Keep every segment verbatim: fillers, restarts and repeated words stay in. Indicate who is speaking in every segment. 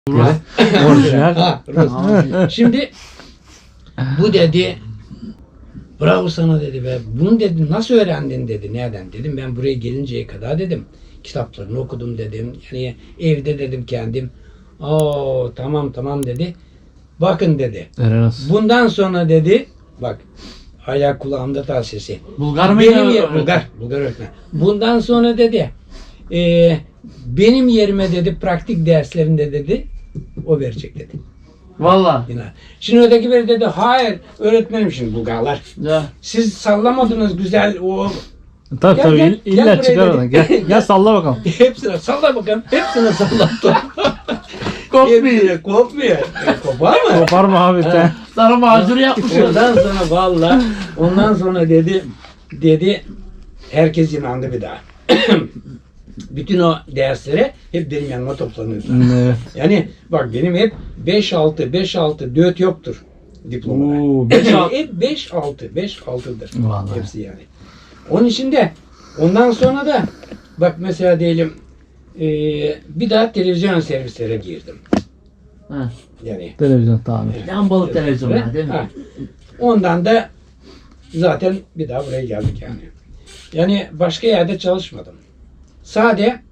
Speaker 1: Rus. Orijinal.
Speaker 2: Ha, Rus. Şimdi bu dedi bravo sana dedi be. Bunu dedi nasıl öğrendin dedi. Nereden dedim. Ben buraya gelinceye kadar dedim. Kitaplarını okudum dedim. Yani evde dedim kendim. Oo tamam tamam dedi. Bakın dedi.
Speaker 1: Erenos.
Speaker 2: Bundan sonra dedi bak hala kulağımda tel sesi.
Speaker 3: Bulgar mı?
Speaker 2: Benim yer, Bulgar, Bulgar öğretmen. Bundan sonra dedi e, benim yerime dedi praktik derslerinde dedi o verecek dedi.
Speaker 3: Valla.
Speaker 2: Yine. Şimdi öteki biri dedi hayır öğretmenim şimdi Bulgarlar.
Speaker 3: Ya.
Speaker 2: Siz sallamadınız güzel o
Speaker 1: Tabii
Speaker 2: Gel,
Speaker 1: tabii
Speaker 2: gel,
Speaker 1: ill-
Speaker 2: gel
Speaker 1: illa
Speaker 2: buraya
Speaker 1: çıkar
Speaker 2: dedi.
Speaker 1: oradan. Gel, gel salla bakalım.
Speaker 2: hepsine salla bakalım. Hepsine sallattı.
Speaker 3: Kopmuyor.
Speaker 2: Hepsine kopmuyor. E, kopar mı?
Speaker 1: Kopar mı abi sen?
Speaker 3: Sana macunu yapmışsın.
Speaker 2: Ondan sonra valla ondan sonra dedi dedi herkes inandı bir daha. Bütün o derslere hep benim yanıma toplanıyordu.
Speaker 1: Evet.
Speaker 2: Yani bak benim hep beş altı beş altı dört yoktur diplomada.
Speaker 1: Oo,
Speaker 3: beş altı.
Speaker 2: Hep beş altı beş altıdır.
Speaker 1: Vallahi.
Speaker 2: Hepsi yani. Onun için de ondan sonra da bak mesela diyelim eee, bir daha televizyon servislere girdim.
Speaker 3: Ha.
Speaker 2: Yani
Speaker 1: Televizyon tamir.
Speaker 3: Lambalı televizyonlar değil mi?
Speaker 2: Ha. Ondan da zaten bir daha buraya geldik yani. Yani başka yerde çalışmadım. Sade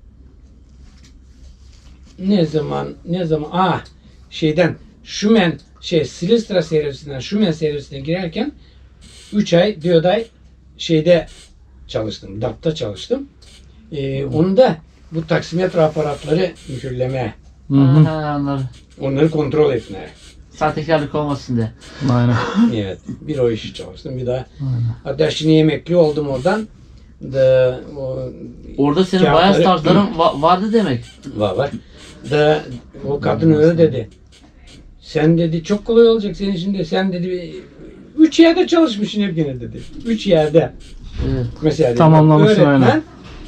Speaker 2: ne zaman ne zaman ah şeyden Şumen şey Silistra servisinden Şumen servisine girerken üç ay dört ay şeyde çalıştım. D A P'ta çalıştım. Ee, onu da bu taksimetre aparatları mühürleme,
Speaker 1: Hı hı.
Speaker 3: Ha, anladım.
Speaker 2: onları kontrol etme.
Speaker 3: Sahtekarlık olmasın diye.
Speaker 1: Aynen.
Speaker 2: Evet. Bir o işi çalıştım. Bir daha
Speaker 1: Aynen.
Speaker 2: hatta şimdi emekli oldum oradan. Da, o,
Speaker 3: Orada senin
Speaker 2: kağıtları-
Speaker 3: bayağı startların va- vardı demek.
Speaker 2: Var var. Da o kadın öyle dedi. Sen dedi çok kolay olacak senin için de. Sen dedi üç yerde çalışmışsın hep gene dedi. Üç yerde.
Speaker 3: Evet.
Speaker 2: Mesela dedi,
Speaker 1: Tamamlamışsın
Speaker 2: öğretmen,
Speaker 1: aynen.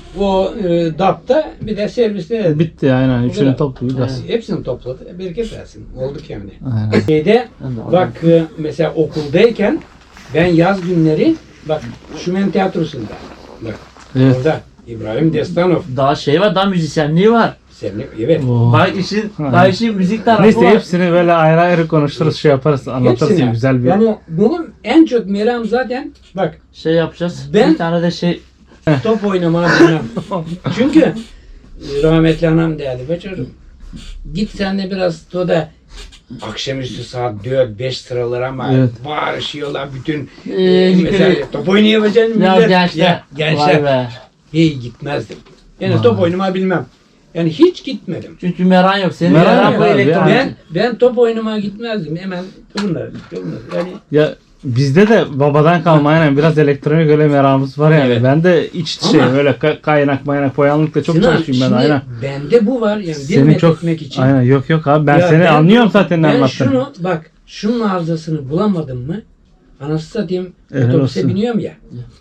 Speaker 2: o e, D A P'ta bir de serviste dedi.
Speaker 1: Bitti aynen.
Speaker 2: Bu
Speaker 1: Üçünü
Speaker 2: kadar.
Speaker 1: toplu biraz.
Speaker 2: Hepsini topladı. Bereket versin. Olduk yani.
Speaker 1: Aynen.
Speaker 2: Şeyde
Speaker 3: Ben de
Speaker 2: bak e, mesela okuldayken ben yaz günleri bak Şumen Tiyatrosu'nda bak
Speaker 1: Evet.
Speaker 2: orada İbrahim Destanov
Speaker 3: Daha şey var, daha müzisyenliği var.
Speaker 2: Semih evet.
Speaker 1: Oo.
Speaker 3: Bak işin,
Speaker 1: Aynen.
Speaker 3: daha işin müzik tarafı
Speaker 1: Neyse
Speaker 3: var.
Speaker 1: hepsini böyle ayrı ayrı konuşuruz, şey yaparız, anlatırız
Speaker 2: Hepsine.
Speaker 1: ya, güzel bir.
Speaker 2: Yani benim en çok meram zaten bak
Speaker 3: Şey yapacağız.
Speaker 2: Ben-
Speaker 3: Bir tane de şey.
Speaker 2: top oynamayı bilmem. Çünkü e, rahmetli anam derdi be çocuğum git sen de biraz o da akşamüstü saat dört beş sıralar ama
Speaker 1: Evet.
Speaker 2: bağırışıyorlar bütün
Speaker 3: Ee,
Speaker 2: e, mesela top oynayabileceğin
Speaker 3: Ya
Speaker 2: millet.
Speaker 3: gençler.
Speaker 2: Ya, gençler.
Speaker 3: Vay be.
Speaker 2: Hey gitmezdim. Yani
Speaker 1: Vay.
Speaker 2: top oynamayı bilmem. Yani hiç gitmedim.
Speaker 3: Çünkü meran yok. Senin
Speaker 1: Meran
Speaker 3: meran,
Speaker 1: yok
Speaker 3: bu
Speaker 1: abi,
Speaker 3: elektronik.
Speaker 2: Ben ben top oynamaya gitmezdim. Hemen bunlar, bunlar. Yani
Speaker 1: Ya bizde de babadan kalma aynen biraz elektronik öyle meramımız var yani.
Speaker 2: Evet.
Speaker 1: Ben de iç şey
Speaker 2: Ama-
Speaker 1: öyle ka- kaynak maynak boyanlıkla çok
Speaker 2: Sinan,
Speaker 1: çalışıyorum ben
Speaker 2: şimdi
Speaker 1: aynen.
Speaker 2: bende bu var yani
Speaker 1: Senin
Speaker 2: bir
Speaker 1: çok
Speaker 2: etmek için.
Speaker 1: aynen yok yok abi ben
Speaker 2: Ya
Speaker 1: seni anlıyorum zaten ne
Speaker 2: Ben
Speaker 1: anlattın.
Speaker 2: şunu bak şunun arızasını bulamadım mı anası satayım
Speaker 1: Helal
Speaker 2: otobüse
Speaker 1: olsun.
Speaker 2: biniyorum ya.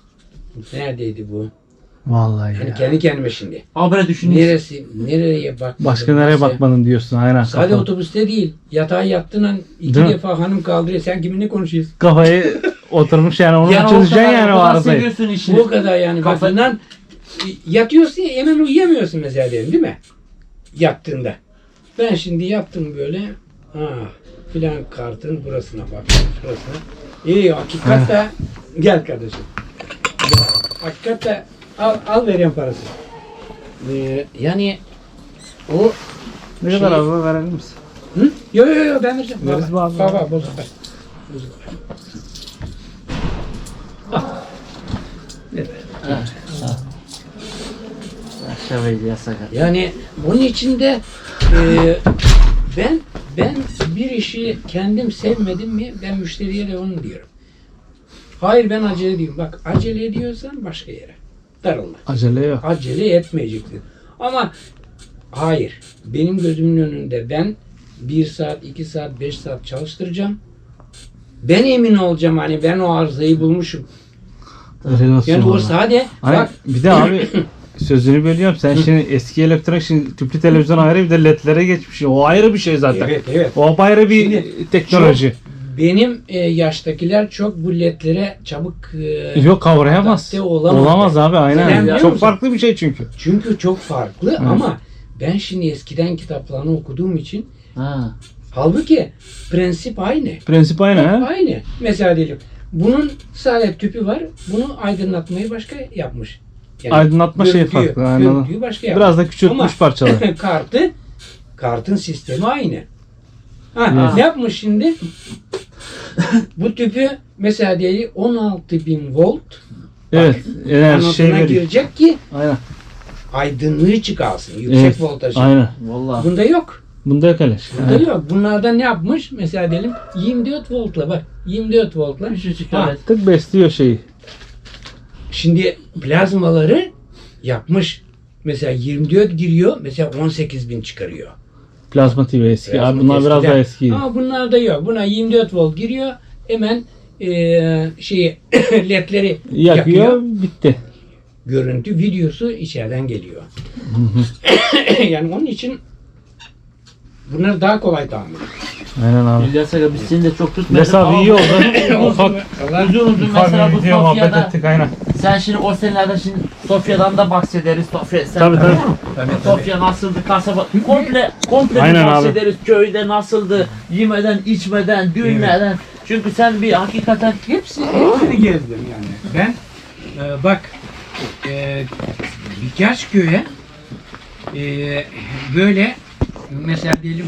Speaker 2: Neredeydi bu?
Speaker 1: Vallahi
Speaker 2: Yani
Speaker 1: ya.
Speaker 2: kendi kendime şimdi.
Speaker 3: Ama böyle düşünüyorsun.
Speaker 2: Neresi, nereye bakmadım.
Speaker 1: Başka nereye
Speaker 2: Neyse.
Speaker 1: bakmadın diyorsun aynen.
Speaker 2: Sadece
Speaker 1: Kafa-
Speaker 2: otobüste değil. Yatağa yattığın an iki
Speaker 1: Değil mi?
Speaker 2: defa hanım kaldırıyor. Sen kiminle konuşuyorsun?
Speaker 1: Kafayı oturmuş yani onu
Speaker 3: Yani o
Speaker 1: çözeceksin
Speaker 3: kadar-
Speaker 1: yani o
Speaker 3: o kadar
Speaker 1: arızayı.
Speaker 3: seviyorsun işini.
Speaker 2: O kadar yani.
Speaker 3: Kafa-
Speaker 2: Bakından yatıyorsun ya hemen uyuyamıyorsun mesela diyelim değil mi? Yattığında. Ben şimdi yattım böyle. Ha, filan kartın burasına bak. Şurasına. İyi hakikaten gel kardeşim. Hakikaten al, al vereyim parası. Ee, yani o
Speaker 1: Ne
Speaker 2: Şey-
Speaker 1: kadar abi verelim misin?
Speaker 2: hı? Yo yo yo ben vereceğim.
Speaker 1: Veririz
Speaker 2: Baba,
Speaker 1: mi abi?
Speaker 2: Baba bozuk ver. Bozuk ver.
Speaker 3: Aşağıydı ya sakat.
Speaker 2: Yani bunun içinde e, ben ben bir işi kendim sevmedim mi ben müşteriye de onu diyorum. Hayır ben acele ediyorum. Bak acele ediyorsan başka yere. Darılma.
Speaker 1: Acele yok.
Speaker 2: Acele etmeyeceksin. Ama hayır. Benim gözümün önünde ben bir saat, iki saat, beş saat çalıştıracağım. Ben emin olacağım hani ben o arızayı bulmuşum.
Speaker 1: Helal olsun
Speaker 2: Yani o
Speaker 1: vallahi.
Speaker 2: sade
Speaker 1: Aynen.
Speaker 2: bak
Speaker 1: Bir de abi sözünü bölüyorum. Sen şimdi eski elektronik şimdi tüplü televizyon ayrı bir de ledlere geçmiş. O ayrı bir şey zaten.
Speaker 2: evet evet.
Speaker 1: O ayrı bir
Speaker 2: Şimdi
Speaker 1: teknoloji.
Speaker 2: Benim e, yaştakiler çok bu ledlere çabuk e,
Speaker 1: Yok kavrayamaz.
Speaker 2: adapte olamaz.
Speaker 1: Olamaz abi
Speaker 2: Neden
Speaker 1: aynen.
Speaker 2: biliyor
Speaker 1: Çok
Speaker 2: musun?
Speaker 1: farklı bir şey çünkü.
Speaker 2: Çünkü çok farklı ama ben şimdi eskiden kitaplarını okuduğum için
Speaker 3: Ha.
Speaker 2: Halbuki prensip aynı.
Speaker 1: Prensip aynı ha.
Speaker 2: Aynı. Mesela diyelim bunun sadece tüpü var. Bunu aydınlatmayı başka yapmış. Yani
Speaker 1: Aydınlatma şeyi
Speaker 2: görüntüyü-
Speaker 1: farklı. Aynen.
Speaker 2: görüntüyü başka yapmış.
Speaker 1: Biraz da küçültmüş
Speaker 2: Ama
Speaker 1: parçaları.
Speaker 2: kartı, kartın sistemi aynı. Ha,
Speaker 1: Evet.
Speaker 2: ne yapmış şimdi? Bu tüpü mesela diyelim on altı bin volt
Speaker 1: Evet. Enerji
Speaker 2: anotuna
Speaker 1: şey veriyor.
Speaker 2: girecek ki
Speaker 1: Aynen.
Speaker 2: aydınlığı çıkarsın. Yüksek
Speaker 1: Evet.
Speaker 2: voltajı.
Speaker 1: Aynen.
Speaker 3: Vallahi.
Speaker 2: Bunda yok.
Speaker 1: Bunda yok öyle şey.
Speaker 2: Bunda
Speaker 1: Evet.
Speaker 2: yok. Bunlardan ne yapmış? Mesela diyelim yirmi dört voltla bak. yirmi dört voltla.
Speaker 3: Küçücük
Speaker 2: Ha,
Speaker 3: evet.
Speaker 1: Tık besliyor şeyi.
Speaker 2: Şimdi plazmaları yapmış. Mesela yirmi dört giriyor. Mesela on sekiz bin çıkarıyor.
Speaker 1: Plazma T V eski.
Speaker 2: Plazma
Speaker 1: Abi bunlar biraz
Speaker 2: eskiden.
Speaker 1: daha eskiydi.
Speaker 2: Ama bunlarda yok. Buna yirmi dört volt giriyor. Hemen eee şeyi ledleri
Speaker 1: Yakıyor,
Speaker 2: yakıyor.
Speaker 1: bitti.
Speaker 2: Görüntü, videosu içeriden geliyor. Yani onun için bunlar daha kolay tahmin.
Speaker 1: Aynen abi.
Speaker 3: İlyas Aga biz seni de çok tutmayalım.
Speaker 1: İlyas abi
Speaker 3: ama
Speaker 1: iyi oldu. Ufak
Speaker 3: Uzun uzun mesela bu
Speaker 1: ufak bir video muhabbet
Speaker 3: Sofya'da
Speaker 1: ettik aynen.
Speaker 3: sen şimdi o senelerde şimdi Sofya'dan da bahsederiz. Sofya sen
Speaker 1: Tabii, tabii.
Speaker 2: Tabii,
Speaker 3: Sofya nasıldı kasaba komple komple
Speaker 1: Aynen
Speaker 3: bir
Speaker 1: abi.
Speaker 3: bahsederiz. Köyde nasıldı? Yemeden, içmeden, düğünlerden. Çünkü sen bir hakikaten
Speaker 2: Hepsi, hepsini gezdim yani. Ben e, bak e, birkaç köye e, böyle mesela diyelim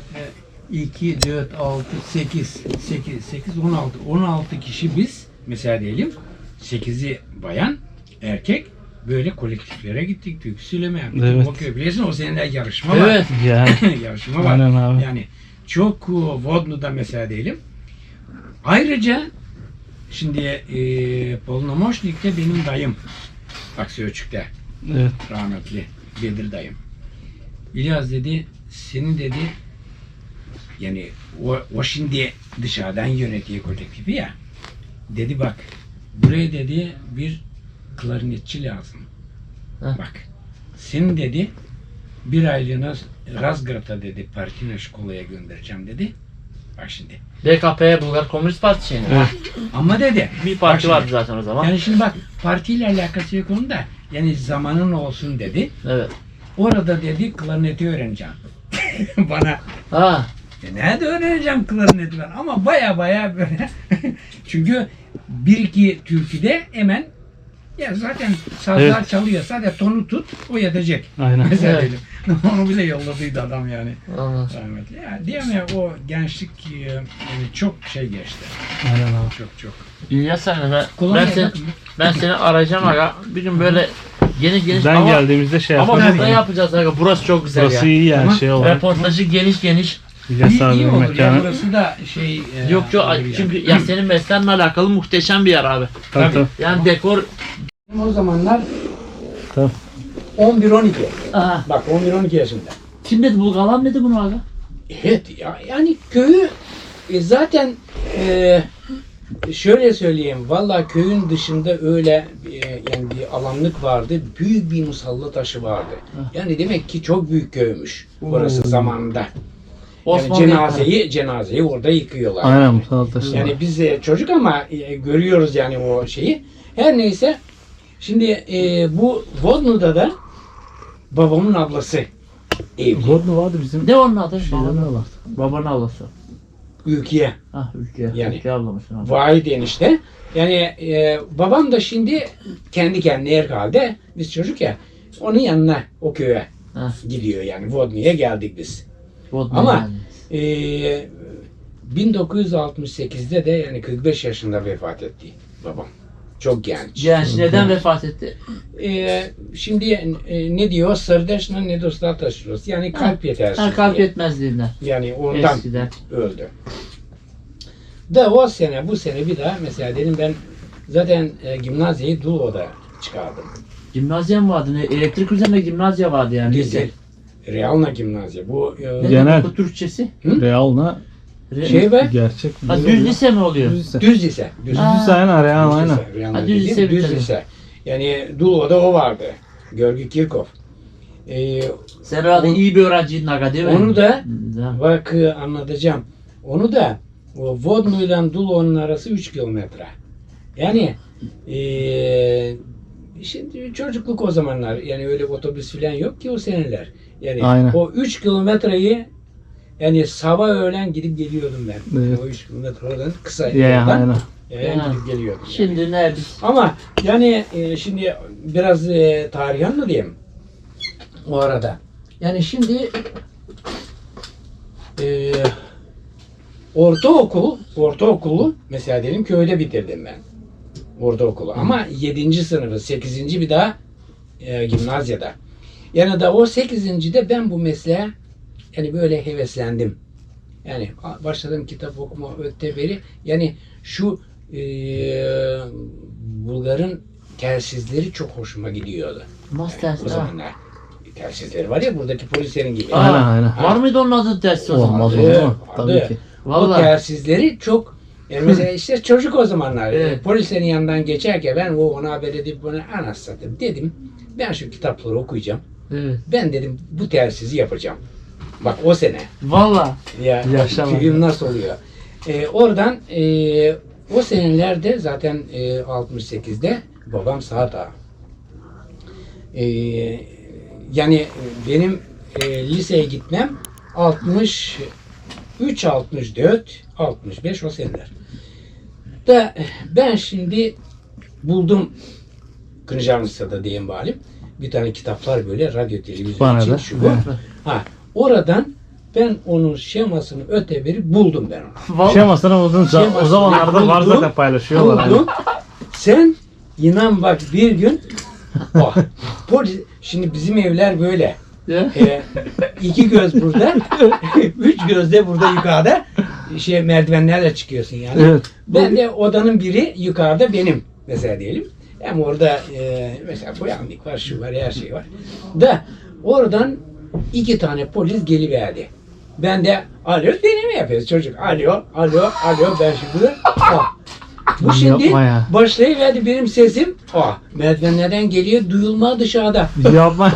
Speaker 2: iki, dört, altı, sekiz, sekiz, sekiz, on altı, on altı kişi biz mesela diyelim sekizi bayan, erkek böyle kolektiflere gittik. Türkü söyleme yaptık.
Speaker 1: Evet.
Speaker 2: O köy biliyorsun o seneler yarışma var.
Speaker 3: evet.
Speaker 1: Yani.
Speaker 2: yarışma var.
Speaker 1: Aynen abi.
Speaker 2: Yani çok uh, Vodnu'da mesela diyelim. Ayrıca şimdi e, Polnomoşnik'te benim dayım Aksiyöçük'te
Speaker 1: Evet.
Speaker 2: rahmetli Bedir dayım. İlyas dedi senin dedi yani o, o şimdi dışarıdan yönetiyor kolektifi ya. Dedi bak buraya dedi bir klarnetçi lazım.
Speaker 3: Heh.
Speaker 2: Bak senin dedi bir aylığına Razgrad'a dedi Partina Şkola'ya göndereceğim dedi. Bak şimdi.
Speaker 3: B K P Bulgar Komünist Partisi şeyini.
Speaker 1: Evet.
Speaker 2: Ama dedi.
Speaker 3: Bir parti
Speaker 2: bak şimdi,
Speaker 3: vardı zaten o zaman.
Speaker 2: Yani şimdi bak partiyle alakası yok onun da. Yani zamanın olsun dedi.
Speaker 3: Evet.
Speaker 2: Orada dedi klarneti öğreneceğim. Bana
Speaker 3: Ha.
Speaker 2: e nerede öğreneceğim klarneti ben? Ama baya baya böyle. Çünkü bir iki türküde hemen ya zaten sazlar
Speaker 1: Evet.
Speaker 2: çalıyor. Sadece tonu tut o yetecek.
Speaker 1: Aynen.
Speaker 2: Mesela
Speaker 3: Evet.
Speaker 2: dedim. Onu bile yolladıydı adam yani.
Speaker 3: Anladım.
Speaker 2: Rahmetli. Ya diyeyim ya o gençlik e, yani çok şey geçti.
Speaker 1: Aynen abi.
Speaker 2: Çok çok.
Speaker 3: İlyas Aga ben, ben,
Speaker 2: Kolonya
Speaker 3: seni,
Speaker 2: bakın.
Speaker 3: ben seni arayacağım Aga. Bir gün böyle geniş geniş
Speaker 1: Ben
Speaker 3: ama,
Speaker 1: geldiğimizde şey
Speaker 3: ama
Speaker 1: yaparız.
Speaker 3: burada yapacağız Aga. Burası çok güzel
Speaker 1: Burası
Speaker 3: ya.
Speaker 1: iyi yani
Speaker 2: Ama
Speaker 1: şey olarak.
Speaker 3: Reportajı geniş geniş.
Speaker 1: İlyas
Speaker 2: İyi, iyi
Speaker 1: abinin
Speaker 2: olur ya
Speaker 1: mekanı.
Speaker 2: burası da şey. e,
Speaker 3: Yok yok
Speaker 2: olur yani.
Speaker 3: çünkü ya senin mesleğinle alakalı muhteşem bir yer abi.
Speaker 1: Tabii tabii.
Speaker 3: Yani dekor.
Speaker 2: O zamanlar
Speaker 1: Tabii.
Speaker 2: on bir on iki.
Speaker 3: Aha.
Speaker 2: Bak on bir on iki yaşında.
Speaker 3: Kim dedi Bulgalan dedi bunu Aga?
Speaker 2: Evet ya yani köyü e, zaten e, şöyle söyleyeyim vallahi köyün dışında öyle e, yani bir alanlık vardı. Büyük bir musalla taşı vardı. Yani demek ki çok büyük köymüş orası
Speaker 1: Oo.
Speaker 2: zamanında. Yani
Speaker 3: Osmanlı
Speaker 2: cenazeyi cenazeyi orada yıkıyorlar.
Speaker 1: Aynen Mustafa Taşı.
Speaker 2: Yani biz de çocuk ama e, görüyoruz yani o şeyi. Her neyse şimdi e, bu Vodnu'da da babamın ablası evli.
Speaker 1: Vodnu vardı bizim.
Speaker 3: Ne onun adı?
Speaker 1: Şeyden
Speaker 3: Babanın,
Speaker 1: de vardı.
Speaker 3: babanın ablası.
Speaker 2: Ülkeye.
Speaker 3: Ah ülke.
Speaker 2: Yani.
Speaker 3: Ülke ablamışsın abi.
Speaker 2: Vahit enişte. Yani e, babam da şimdi kendi kendine herhalde biz çocuk ya onun yanına o köye
Speaker 3: Heh.
Speaker 2: gidiyor yani Vodnu'ya geldik biz.
Speaker 3: Vodna
Speaker 2: Ama
Speaker 3: yani.
Speaker 2: e, bin dokuz yüz altmış sekizde de yani kırk beş yaşında vefat etti babam. Çok genç.
Speaker 3: Genç neden vefat etti?
Speaker 2: E, şimdi e, ne diyor? Sırdeşna ne dostlar taşıyoruz. Yani kalp yetersizliği.
Speaker 3: Ha, kalp yetmezliğinden.
Speaker 2: Yani ondan
Speaker 3: Eskiden.
Speaker 2: öldü. Da o sene bu sene bir daha mesela dedim ben zaten e, gimnaziyi Dulvo'da çıkardım.
Speaker 3: Gimnazya mı vardı? Ne? Elektrik üzerine gimnazya vardı yani.
Speaker 2: Değil. Realna gimnaziya. Bu e,
Speaker 3: Ne
Speaker 1: Genel.
Speaker 3: demek bu Türkçesi?
Speaker 1: Real'na
Speaker 3: Re-
Speaker 2: şey be
Speaker 1: gerçek.
Speaker 3: Ha, düz lise mi oluyor?
Speaker 1: Düz lise.
Speaker 2: düz lise. Düz,
Speaker 1: Düz
Speaker 3: Ha.
Speaker 1: lise aynen Real
Speaker 2: düz
Speaker 1: aynen.
Speaker 2: lise. Realna
Speaker 3: Ha, düz
Speaker 2: dediğim
Speaker 3: lise
Speaker 2: düz
Speaker 3: bitirdin.
Speaker 2: lise. Yani Dulvo'da o vardı. Görgü Kirkov. E,
Speaker 3: Sen herhalde
Speaker 2: On-
Speaker 3: iyi bir öğrenciydin Aga değil mi?
Speaker 2: onu da
Speaker 3: Da.
Speaker 2: bak e, anlatacağım. Onu da o Vodnu ile Dulvo'nun arası üç kilometre. Yani e, şimdi çocukluk o zamanlar yani öyle otobüs falan yok ki o seneler. Yani
Speaker 1: Aynen.
Speaker 2: o üç kilometreyi Yani sabah öğlen gidip geliyordum ben.
Speaker 1: Evet.
Speaker 2: O üç kilometre oradan kısa
Speaker 1: Ya
Speaker 2: yoldan.
Speaker 1: aynen.
Speaker 2: Yayan
Speaker 3: Ha.
Speaker 2: gidip geliyordum. yani.
Speaker 3: Şimdi ne biz?
Speaker 2: Ama yani e, şimdi biraz e, tarih anlatayım o arada. Yani şimdi e, ortaokul, ortaokulu mesela diyelim köyde bitirdim ben. Ortaokulu. Ama yedinci sınıfı, sekizinci bir daha e, gimnazyada. Yani da o sekizincide ben bu mesleğe yani böyle heveslendim. Yani a- başladım kitap okuma öteberi. Yani şu e, Bulgar'ın telsizleri çok hoşuma gidiyordu.
Speaker 3: Nasıl
Speaker 2: O
Speaker 3: ters? Ha.
Speaker 2: zamanlar. Telsizleri var ya buradaki polislerin gibi.
Speaker 3: Aa,
Speaker 1: Aynen aynen.
Speaker 3: Var mıydı onun adı ters o zaman?
Speaker 1: Olmaz olur
Speaker 2: Vardı,
Speaker 1: mu? Tabii
Speaker 2: vardı.
Speaker 1: ki.
Speaker 2: O
Speaker 3: Vallahi.
Speaker 2: telsizleri çok yani mesela işte çocuk o zamanlar
Speaker 3: Evet.
Speaker 2: polislerin yanından geçerken ben o ona haber edip bana anasını satayım dedim. Ben şu kitapları okuyacağım.
Speaker 3: Evet.
Speaker 2: Ben dedim bu telsizi yapacağım. Bak o sene.
Speaker 3: Valla.
Speaker 2: Ya
Speaker 1: Yaşa
Speaker 2: film nasıl oluyor? Ee, oradan e, o senelerde zaten e, altmış sekizde babam Saat Ağa. Ee, yani benim e, liseye gitmem altmış üç, altmış dört, altmış beş o seneler. Da ben şimdi buldum Kırıcamlıca'da diyeyim balim. Bir tane kitaplar böyle radyo televizyon
Speaker 1: Bana
Speaker 2: için
Speaker 1: da.
Speaker 2: şu bu.
Speaker 1: Evet.
Speaker 2: Ha, oradan ben onun şemasını öteberi buldum ben onu.
Speaker 3: Valla.
Speaker 1: Şemasını buldun. O
Speaker 2: Şemasını
Speaker 1: zamanlarda var
Speaker 2: buldum,
Speaker 1: zaten paylaşıyorlar. hani.
Speaker 2: Buldum. Sen inan bak bir gün oh, polis, şimdi bizim evler böyle.
Speaker 3: Ya.
Speaker 2: Ee, iki göz burada, üç göz de burada yukarıda şey merdivenlerle çıkıyorsun yani.
Speaker 1: Evet.
Speaker 2: Ben de odanın biri yukarıda benim mesela diyelim. Hem orada e, mesela boyanlık var, şu var, her şey var. Da oradan iki tane polis geliverdi. Ben de alo deneme yapıyoruz çocuk. Alo, alo, alo ben şimdi ah. Bu şimdi
Speaker 1: Yapma ya.
Speaker 2: başlayıverdi benim sesim. Ah, merdivenlerden geliyor duyulma dışarıda.
Speaker 1: Yapma.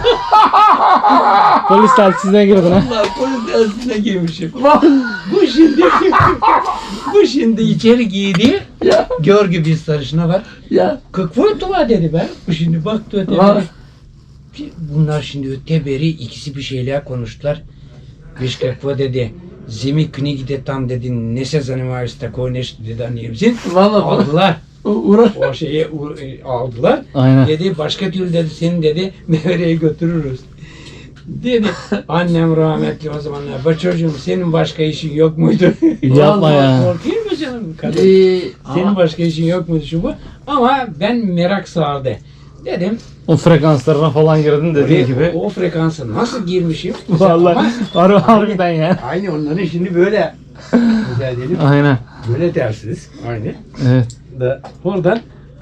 Speaker 1: Polis telsizine girdin ha.
Speaker 2: Allah polis dersine girmişim. Bu şimdi bu şimdi içeri giydi.
Speaker 3: Ya.
Speaker 2: Görgü bir sarışına var.
Speaker 3: Ya.
Speaker 2: kırk volt var dedi ben. Bu şimdi baktı öteberi.
Speaker 3: Var.
Speaker 2: Bunlar şimdi öteberi ikisi bir şeyler konuştular. Viş kakva dedi. Zemi knigi tam dedi. Ne se zanimavaju tako nešto dedi anlayabilirsin.
Speaker 3: Valla.
Speaker 2: Aldılar.
Speaker 3: Uğraş.
Speaker 2: O şeyi u- e, aldılar.
Speaker 1: Aynen.
Speaker 2: Dedi başka türlü dedi seni dedi Mevre'ye götürürüz. Dedi annem rahmetli o zamanlar. Ba çocuğum senin başka işin yok muydu?
Speaker 1: Yapma
Speaker 2: Vallahi
Speaker 1: ya.
Speaker 2: Korkayım mı canım kadın?
Speaker 3: Ee,
Speaker 2: Senin
Speaker 3: ama-
Speaker 2: başka işin yok muydu şu bu? Ama ben merak sardı. Dedim
Speaker 1: O frekanslarına falan girdin dediğin
Speaker 2: oraya-
Speaker 1: gibi.
Speaker 2: o, o frekansa nasıl girmişim?
Speaker 1: Vallahi
Speaker 2: Ama
Speaker 1: harbi harbiden ya.
Speaker 2: aynı onların şimdi böyle güzel diyelim.
Speaker 1: Aynen.
Speaker 2: Böyle tersiz. Aynı.
Speaker 1: Evet.
Speaker 2: Da oradan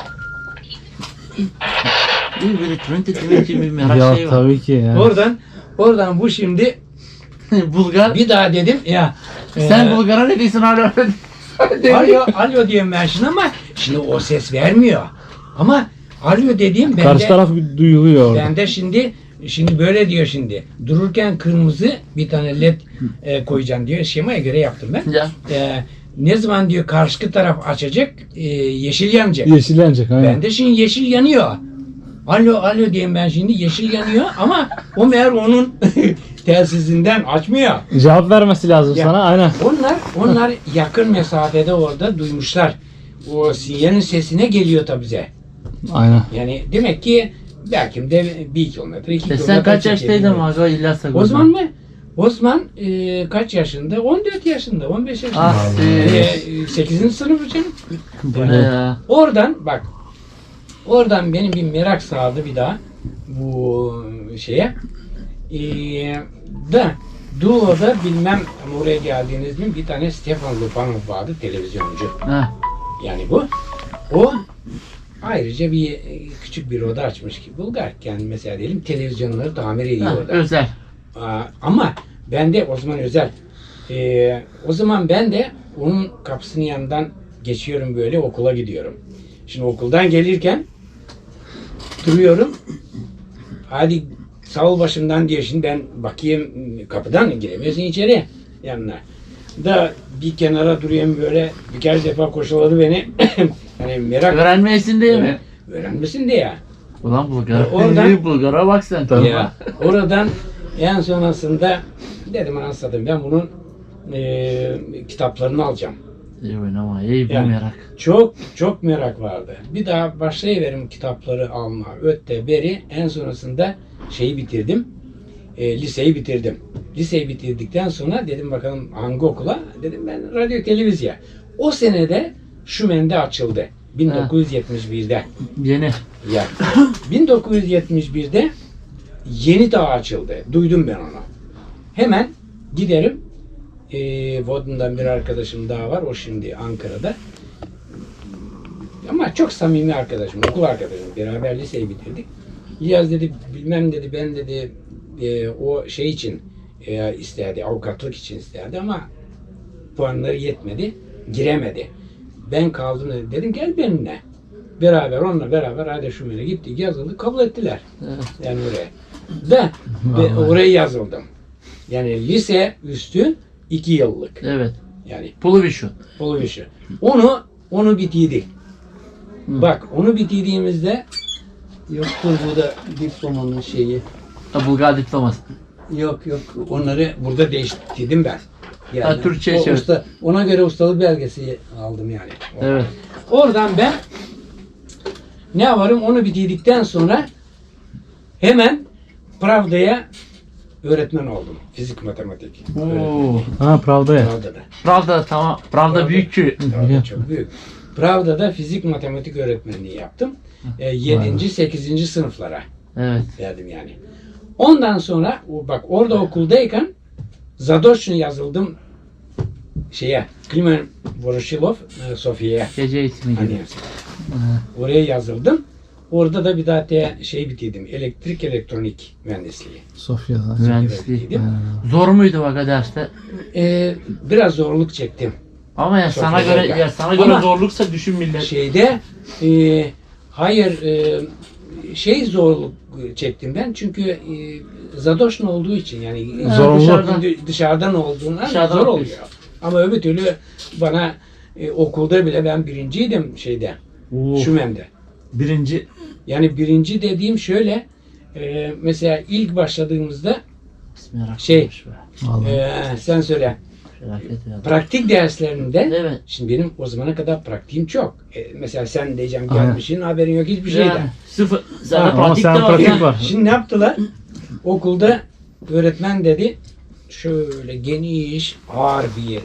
Speaker 3: İyi böyle twenty twenty bir merak
Speaker 1: Ya
Speaker 3: şey var.
Speaker 1: tabii ki ya.
Speaker 2: oradan oradan bu şimdi
Speaker 3: Bulgar.
Speaker 2: bir daha dedim ya
Speaker 3: Sen
Speaker 2: e,
Speaker 3: Bulgar'a ne diyorsun hala?
Speaker 2: alo alo diyeyim ben şimdi ama şimdi o ses vermiyor. Ama alo dediğim bende
Speaker 1: Karşı taraf duyuluyor orada.
Speaker 2: bende şimdi şimdi böyle diyor şimdi. Dururken kırmızı bir tane led e, koyacağım diyor. Şemaya göre yaptım ben.
Speaker 3: Ya.
Speaker 2: E, ne zaman diyor karşı taraf açacak e, yeşil yanacak.
Speaker 1: Yeşillenecek aynen.
Speaker 2: Bende şimdi yeşil yanıyor. Alo alo diyeyim ben şimdi yeşil yanıyor ama o meğer onun telsizinden açmıyor.
Speaker 1: Cevap vermesi lazım
Speaker 2: Ya.
Speaker 1: sana aynen.
Speaker 2: Onlar onlar yakın mesafede orada duymuşlar. O sinyalin sesine geliyor tabi bize.
Speaker 1: Aynen.
Speaker 2: Yani demek ki belki de bir kilometre, iki
Speaker 3: E
Speaker 2: kilometre.
Speaker 3: sen kaç
Speaker 2: çekebiliyor.
Speaker 3: yaştaydın Maga İlyas'a?
Speaker 2: Osman mı? Osman e, kaç yaşında? on dört yaşında, on beş yaşında.
Speaker 3: Ah,
Speaker 2: E,
Speaker 3: e,
Speaker 2: sekizinci sınıf canım.
Speaker 3: Bu ne ya?
Speaker 2: Oradan bak, oradan benim bir merak sardı bir daha bu şeye. Ee, da Doğu'da bilmem ama oraya geldiğiniz mi bir tane Stefan Lupanov vardı televizyoncu.
Speaker 3: Ha.
Speaker 2: Yani bu. O ayrıca bir e, küçük bir oda açmış ki Bulgarken mesela diyelim televizyonları tamir ediyor
Speaker 3: Ha,
Speaker 2: orada.
Speaker 3: özel.
Speaker 2: Aa, ama ben de o zaman özel. Ee, o zaman ben de onun kapısının yanından geçiyorum böyle okula gidiyorum. Şimdi okuldan gelirken duruyorum. Hadi sağ ol başımdan diyor. Şimdi ben bakayım kapıdan giremiyorsun içeri yanına. Da bir kenara duruyorum böyle birkaç defa koşuladı beni. hani merak
Speaker 3: Öğrenmeyesin değil mi?
Speaker 2: öğrenmesin diye.
Speaker 3: Ulan Bulgar.
Speaker 2: Oradan-
Speaker 3: İyi Bulgar'a bak sen.
Speaker 1: Tabii.
Speaker 2: Ya, oradan en sonrasında dedim anasını satayım ben bunun e, kitaplarını alacağım.
Speaker 3: İyi oynama, iyi bu
Speaker 2: Yani.
Speaker 3: merak.
Speaker 2: Çok çok merak vardı. Bir daha başlayıverim kitapları alma. Ötte beri en sonrasında şeyi bitirdim. E, liseyi bitirdim. Liseyi bitirdikten sonra dedim bakalım hangi okula? Dedim ben radyo televizyon. O senede Şümen'de açıldı. bin dokuz yüz yetmiş birde.
Speaker 3: Yeni.
Speaker 2: Ya bin dokuz yüz yetmiş birde Yeni Dağ açıldı. Duydum ben onu. Hemen giderim. E, Vodun'dan bir arkadaşım daha var. O şimdi Ankara'da. Ama çok samimi arkadaşım, okul arkadaşım. Beraber liseyi bitirdik. İlyas dedi, bilmem dedi, ben dedi e, o şey için e, isterdi, avukatlık için isterdi ama puanları yetmedi, giremedi. Ben kaldım dedi. Dedim gel benimle. Beraber, onunla beraber hadi Şümen'e gittik, yazıldık, kabul ettiler.
Speaker 3: Evet.
Speaker 2: Yani oraya. Ve, ve oraya yazıldım. Yani lise üstü iki yıllık.
Speaker 3: Evet.
Speaker 2: Yani
Speaker 3: Pulu bir şu.
Speaker 2: Olu işi. Onu onu bitirdik.
Speaker 3: Hı.
Speaker 2: Bak onu bitirdiğimizde yoktur bu da diplomanın şeyi.
Speaker 3: Ha, Bulgar diploması.
Speaker 2: Yok yok onları burada değiştirdim ben.
Speaker 3: Ha, Türkçe
Speaker 2: o
Speaker 3: şey.
Speaker 2: usta, ona göre ustalık belgesi aldım yani.
Speaker 3: Evet.
Speaker 2: Oradan ben ne yaparım onu bitirdikten sonra hemen Pravda'ya öğretmen oldum. Fizik matematik. öğretmeni.
Speaker 3: Oo.
Speaker 1: Ha Pravda'ya.
Speaker 2: Pravda'da.
Speaker 3: Pravda tamam. Pravda
Speaker 2: Pravda.
Speaker 3: büyük köy.
Speaker 2: Pravda çok büyük. Pravda'da fizik matematik öğretmenliği yaptım. E, yedinci sekizinci sınıflara
Speaker 3: Evet.
Speaker 2: verdim yani. Ondan sonra o- bak orada okuldayken Zadoş'un yazıldım şeye Klimen Voroshilov e, Sofya'ya.
Speaker 3: Gece eğitimi gibi.
Speaker 2: Hani, oraya yazıldım. Orada da bir daha te, şey bitirdim. Elektrik elektronik mühendisliği.
Speaker 1: Sofya'da.
Speaker 3: Mühendisliği.
Speaker 2: bitirdim.
Speaker 3: Zor muydu bak derste?
Speaker 2: E, biraz zorluk çektim.
Speaker 3: Ama ya sana
Speaker 2: Sofya'da
Speaker 3: göre
Speaker 2: ya.
Speaker 3: ya sana göre
Speaker 2: Ama-
Speaker 3: zorluksa düşün millet.
Speaker 2: Şeyde e, hayır e, şey zorluk çektim ben çünkü e, Zadoş'un olduğu için yani
Speaker 3: Ha,
Speaker 1: Zorunlu.
Speaker 2: dışarıdan, dışarıdan olduğundan
Speaker 3: Dışarıdan
Speaker 2: zor
Speaker 3: okuyorsun.
Speaker 2: oluyor. Ama öbür türlü bana e, okulda bile ben birinciydim şeyde
Speaker 1: Oo.
Speaker 2: Şümen'de.
Speaker 1: Birinci.
Speaker 2: Yani birinci dediğim şöyle e, mesela ilk başladığımızda
Speaker 3: Bismillah.
Speaker 2: Şey.
Speaker 1: Vallahi.
Speaker 2: e, sen söyle
Speaker 3: Felaket ya.
Speaker 2: praktik derslerinde
Speaker 3: Evet.
Speaker 2: şimdi benim o zamana kadar praktiğim çok. E, mesela sen diyeceğim
Speaker 1: Aynen.
Speaker 2: gelmişsin haberin yok hiçbir şeyden.
Speaker 3: Yani, sıfır. Sen de
Speaker 2: Ha,
Speaker 1: ama
Speaker 3: pratik
Speaker 1: sen
Speaker 3: de var.
Speaker 1: pratik
Speaker 3: ya.
Speaker 1: var.
Speaker 2: Şimdi ne yaptılar? Okulda öğretmen dedi şöyle geniş ağır bir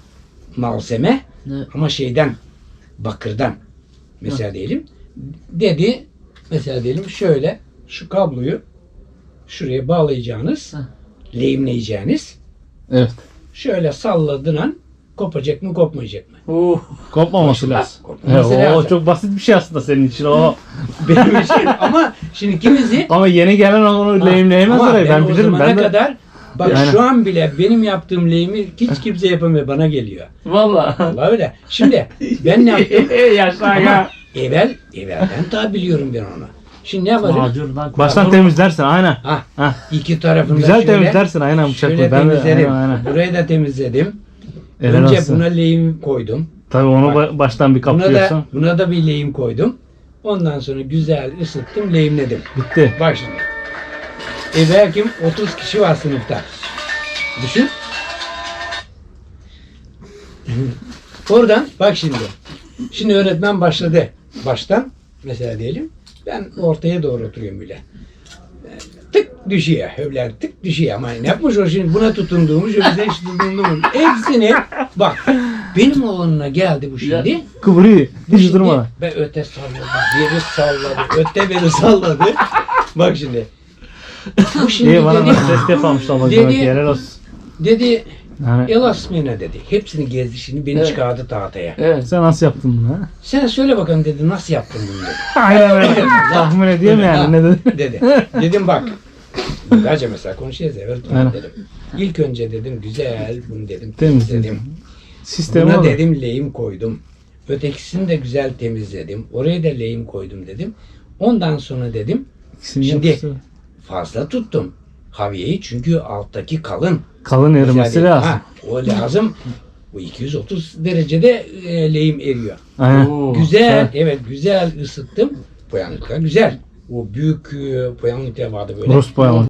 Speaker 2: malzeme
Speaker 3: Ne?
Speaker 2: ama şeyden bakırdan mesela diyelim dedi mesela diyelim şöyle şu kabloyu şuraya bağlayacağınız
Speaker 3: Hı.
Speaker 2: lehimleyeceğiniz
Speaker 1: Evet.
Speaker 2: şöyle salladığın an kopacak mı kopmayacak mı?
Speaker 3: Oo.
Speaker 1: Kopmaması lazım.
Speaker 2: Kopmaması
Speaker 1: He, o
Speaker 2: lazım.
Speaker 1: çok basit bir şey aslında senin için o.
Speaker 2: Benim için ama şimdi kimisi
Speaker 1: Ama yeni gelen onu lehimleyemez
Speaker 2: Ama
Speaker 1: orayı. Ben
Speaker 2: o
Speaker 1: bilirim.
Speaker 2: zamana
Speaker 1: Ben de
Speaker 2: kadar bak
Speaker 1: Yani.
Speaker 2: şu an bile benim yaptığım lehimi hiç kimse yapamıyor bana geliyor.
Speaker 3: Valla.
Speaker 2: Vallahi öyle. Şimdi ben ne yaptım?
Speaker 1: yaşa
Speaker 2: Ama
Speaker 1: ya.
Speaker 2: evvel evvelden ta biliyorum ben onu. Şimdi ne yaparım?
Speaker 3: Macurdan
Speaker 1: Baştan temizlersin aynen.
Speaker 2: Ah,
Speaker 1: Hah.
Speaker 2: iki tarafını
Speaker 1: Güzel
Speaker 2: şöyle,
Speaker 1: temizlersin aynen bıçakla.
Speaker 2: şöyle
Speaker 1: Ben de
Speaker 2: temizledim.
Speaker 1: aynen, aynen.
Speaker 2: Burayı da temizledim.
Speaker 1: Helal
Speaker 2: Önce
Speaker 1: olsun.
Speaker 2: buna lehim koydum.
Speaker 1: Tabii onu
Speaker 2: Bak.
Speaker 1: ba- baştan bir
Speaker 2: Buna da,
Speaker 1: kaplıyorsun.
Speaker 2: buna da bir lehim koydum. Ondan sonra güzel ısıttım, lehimledim.
Speaker 1: Bitti.
Speaker 2: Bak şimdi. E belki otuz kişi var sınıfta. Düşün. Oradan bak şimdi. Şimdi öğretmen başladı. Baştan mesela diyelim. Ben ortaya doğru oturuyorum bile. Tık düşüyor. Hövler tık düşüyor. Ama ne yapmış o şimdi? Buna tutunduğumuş, öbürüne hiç tutunduğumuş. Hepsini bak. Benim oğluna geldi bu şimdi.
Speaker 1: Kıvırıyor.
Speaker 2: Bu
Speaker 1: Hiç
Speaker 2: şimdi
Speaker 1: durmadan.
Speaker 2: ben öte salladı, biri salladı, öte beni salladı. Bak şimdi. Bu şimdi
Speaker 1: İyi bana
Speaker 2: dedi,
Speaker 1: da test yapamışlar ama
Speaker 2: Dedi-
Speaker 1: demek ki helal olsun.
Speaker 2: dedi
Speaker 1: Yani
Speaker 2: Elasmina dedi. Hepsini gezdi şimdi beni
Speaker 3: Evet.
Speaker 2: çıkardı tahtaya.
Speaker 3: Evet.
Speaker 1: sen nasıl yaptın bunu ha?
Speaker 2: Sen söyle bakalım dedi nasıl yaptın bunu dedi.
Speaker 1: Aynen öyle. Tahmin ediyorum yani ne dedi.
Speaker 2: dedi. Dedim bak. Bulgarca mesela konuşuyoruz ya öğretmenim
Speaker 1: Aynen.
Speaker 2: dedim. İlk önce dedim güzel bunu dedim
Speaker 1: Temizledin.
Speaker 2: temizledim.
Speaker 1: Sistemi
Speaker 2: Buna
Speaker 1: olur.
Speaker 2: dedim lehim koydum. Ötekisini de güzel temizledim. Oraya da lehim koydum dedim. Ondan sonra dedim
Speaker 1: İkisini
Speaker 2: Şimdi-
Speaker 1: yapısı.
Speaker 2: fazla tuttum haviyeyi çünkü alttaki kalın.
Speaker 1: Kalın erimesi
Speaker 2: Mesela-
Speaker 1: lazım.
Speaker 2: Ha, o lazım. Bu iki yüz otuz derecede e, lehim eriyor.
Speaker 1: Aynen.
Speaker 3: Oo.
Speaker 2: Güzel,
Speaker 1: Ha.
Speaker 2: evet güzel ısıttım. Boyanlıklar güzel. O büyük e, boyanlıklar vardı böyle.
Speaker 1: Rus boyalı.